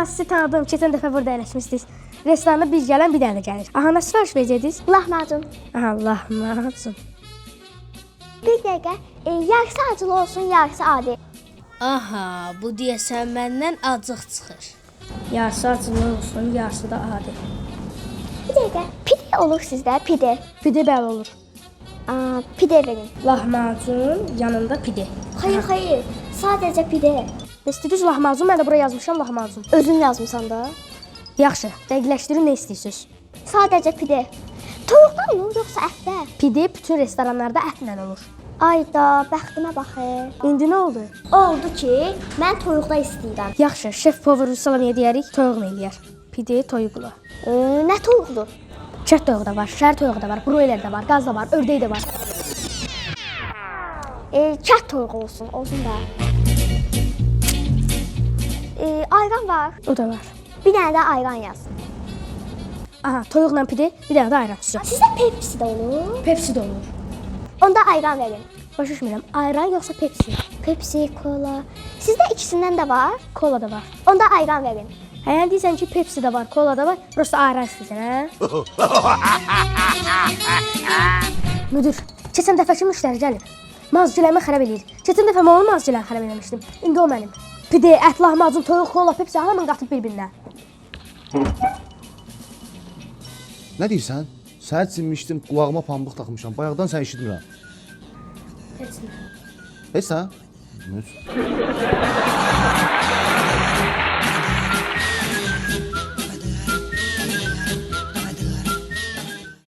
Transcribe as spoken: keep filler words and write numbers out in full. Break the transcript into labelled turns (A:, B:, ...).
A: sizi tanıdım. Keçən dəfə burada əyləşmişdiniz. Restoranda biz gələn bir dənə gəlir. Aha, nə sifariş verəcəydiniz?
B: Lahmacun.
A: Aha, lahmacun.
B: Bir dəqiqə, e, yarısı acılı olsun, yarısı adi.
C: Aha, bu deyəsən məndən acıq çıxır.
A: Yarısı acılı olsun, yarısı da adi.
B: Bir dəqiqə, pide olur sizdə, pide.
A: Pide bəli olur.
B: Aa, pide verin.
A: Lahmacun, yanında pide.
B: Hayır, hayır, sadəcə pide.
A: İstəyirsiniz lahmacun, mən də buraya yazmışam lahmacun.
B: Özün yazmısan da.
A: Yaxşı, dəqiqləşdirin nə istəyirsiniz?
B: Sadəcə pide. Toyuqdan olur, yoxsa ətdə?
A: Pide bütün restoranlarda ətlə olur.
B: Ayda, bəxtimə baxır.
A: İndi nə oldu?
B: Oldu ki, mən toyuqda istəyirəm.
A: Yaxşı, şef power salam yediyərik, toyuqla eləyər. Pide toyuqla.
B: E, nə toyuqdur?
A: Çət toyuğu da var, şər toyuğu da var, broiler də var, qaz da var, ördək də var.
B: E, kət toyuğu olsun, olsun da. E, ayran var.
A: O da var.
B: Bir dənə də ayran yaz.
A: Aha, toyuqla pide, bir dənə də ayran tutacaq.
B: Sizdə Pepsi də olur.
A: Pepsi də olur.
B: Onda ayran verin.
A: Başa düşmürəm, ayran yoxsa Pepsi?
B: Pepsi, kola. Sizdə ikisindən də var.
A: Kola da var.
B: Onda ayran verin.
A: Həyən deyirsən ki, Pepsi də var, kola da var, prosta ayran istəyirsən, hə? Müdür, keçən dəfəki müştəri gəlir. Mazciləmi xərab eləyir. Keçən dəfə mən onun mazciləni xərab eləmişdim. İndi o mənim. Pide, ət, lahmacun, toyuq, kola, Pepsi hamını qatıb bir-birinə.
D: Nə deyirsən? Səhər çinmişdim, qulağıma pambıq taxmışam. Bayaqdan sən eşitmirəm.
A: Heç nə.
D: Heç sən? Müs.